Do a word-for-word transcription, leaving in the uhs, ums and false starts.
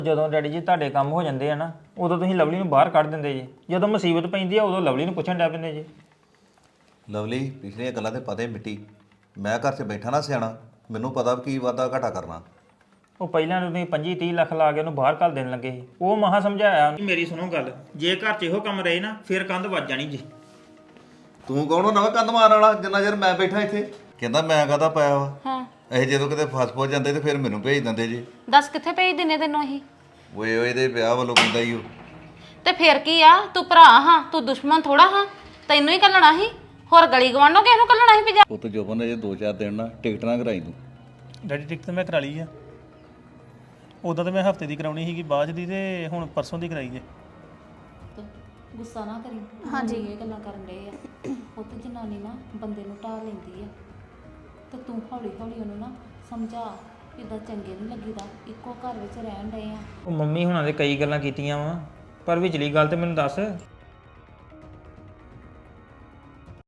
ਜਦੋਂ ਡੈਡੀ ਜੀ ਤੁਹਾਡੇ ਕੰਮ ਹੋ ਜਾਂਦੇ ਆ ਨਾ ਉਦੋਂ ਤੁਸੀਂ ਲਵਲੀ ਨੂੰ ਬਾਹਰ ਕੱਢ ਦਿੰਦੇ ਜੀ ਜਦੋਂ ਮੁਸੀਬਤ ਪੈਂਦੀ ਆ ਉਦੋਂ ਲਵਲੀ ਨੂੰ ਪੁੱਛਣ ਡੈ ਪੈਂਦੇ ਜੀ। ਲਵਲੀ ਪਿਛਲੀਆਂ ਗੱਲਾਂ ਤੇ ਪਤਾ ਹੀ ਮਿੱਟੀ। ਮੈਂ ਘਰ 'ਚ ਬੈਠਾ ਨਾ ਸਿਆਣਾ, ਮੈਨੂੰ ਪਤਾ ਵੀ ਕੀ ਵਾਧਾ ਘਾਟਾ ਕਰਨਾ। ਉਹ ਪਹਿਲਾਂ ਨੂੰ ਤੁਸੀਂ ਪੱਚੀ ਤੀਹ ਲੱਖ ਲਾ ਕੇ ਉਹਨੂੰ ਬਾਹਰ ਕੱਢ ਦੇਣ ਲੱਗੇ ਸੀ, ਉਹ ਮਹਾ ਸਮਝਾਇਆ। ਮੇਰੀ ਸੁਣੋ ਗੱਲ, ਜੇ ਘਰ 'ਚ ਇਹੋ ਕੰਮ ਰਹੇ ਨਾ ਫਿਰ ਕੰਧ ਵੱਜ ਜਾਣੀ ਜੀ। ਤੂੰ ਕੌਣ ਹੋ ਨਵਾਂ ਕੰਧ ਮਾਰਨ ਵਾਲਾ ਜਿੰਨਾ ਚਿਰ ਮੈਂ ਬੈਠਾ ਇੱਥੇ? ਕਹਿੰਦਾ ਮੈਂ ਕਾਹਦਾ ਪਾਇਆ ਵਾ। ਹਾਂ ਇਹ ਜਦੋਂ ਕਿਤੇ ਫਸ ਫਸ ਜਾਂਦੇ ਤੇ ਫਿਰ ਮੈਨੂੰ ਭੇਜ ਦਿੰਦੇ ਜੀ। ਦੱਸ ਕਿੱਥੇ ਭੇਜ ਦਿੰਨੇ ਤੈਨੂੰ ਅਸੀਂ? ਓਏ ਓਏ ਇਹਦੇ ਵਿਆਹ ਵੱਲੋਂ ਕਹਿੰਦਾ ਹੀ ਉਹ। ਤੇ ਫਿਰ ਕੀ ਆ, ਤੂੰ ਭਰਾ ਹਾਂ, ਤੂੰ ਦੁਸ਼ਮਣ ਥੋੜਾ ਹਾਂ। ਤੈਨੂੰ ਹੀ ਕੱਲਣਾ ਸੀ, ਹੋਰ ਗਲੀ ਗਵਾਂਢੋਂ ਕਿਸ ਨੂੰ ਕੱਲਣਾ ਸੀ? ਭਜਾ ਉਹ ਤੇ ਜੋਬਨ ਨੇ ਜੇ ਦੋ ਚਾਰ ਦਿਨ ਨਾ ਟਿਕਟ ਨਾ ਕਰਾਈ ਤੂੰ। ਡੈਡੀ ਟਿਕਟ ਤਾਂ ਮੈਂ ਕਰਾ ਲਈ ਆ। ਉਦੋਂ ਤਾਂ ਮੈਂ ਹਫਤੇ ਦੀ ਕਰਾਉਣੀ ਸੀਗੀ, ਬਾਅਦ ਦੀ ਤੇ ਹੁਣ ਪਰਸੋਂ ਦੀ ਕਰਾਈ ਜੇ। ਗੁੱਸਾ ਨਾ ਕਰੀ। ਹਾਂਜੀ ਇਹ ਗੱਲਾਂ ਕਰਨ ਡਏ ਆ, ਉਹ ਤੇ ਜਨਾਨੀ ਨਾ ਬੰਦੇ ਨੂੰ ਢਾਹ ਲੈਂਦੀ ਆ, ਤੇ ਤੂੰ ਹੌਲੀ ਹੌਲੀ ਉਹਨੂੰ ਨਾ ਸਮਝਾ, ਇਦਾਂ ਚੰਗੇ ਨਹੀਂ ਲੱਗੀਦਾ, ਇੱਕੋ ਘਰ ਵਿੱਚ ਰਹਿਣ ਡਏ ਆ। ਉਹ ਮੰਮੀ ਹੁਣਾਂ ਦੇ ਕਈ ਗੱਲਾਂ ਕੀਤੀਆਂ ਵਾ ਪਰ ਵਿਚਲੀ ਗੱਲ ਤੇ ਮੈਨੂੰ ਦੱਸ।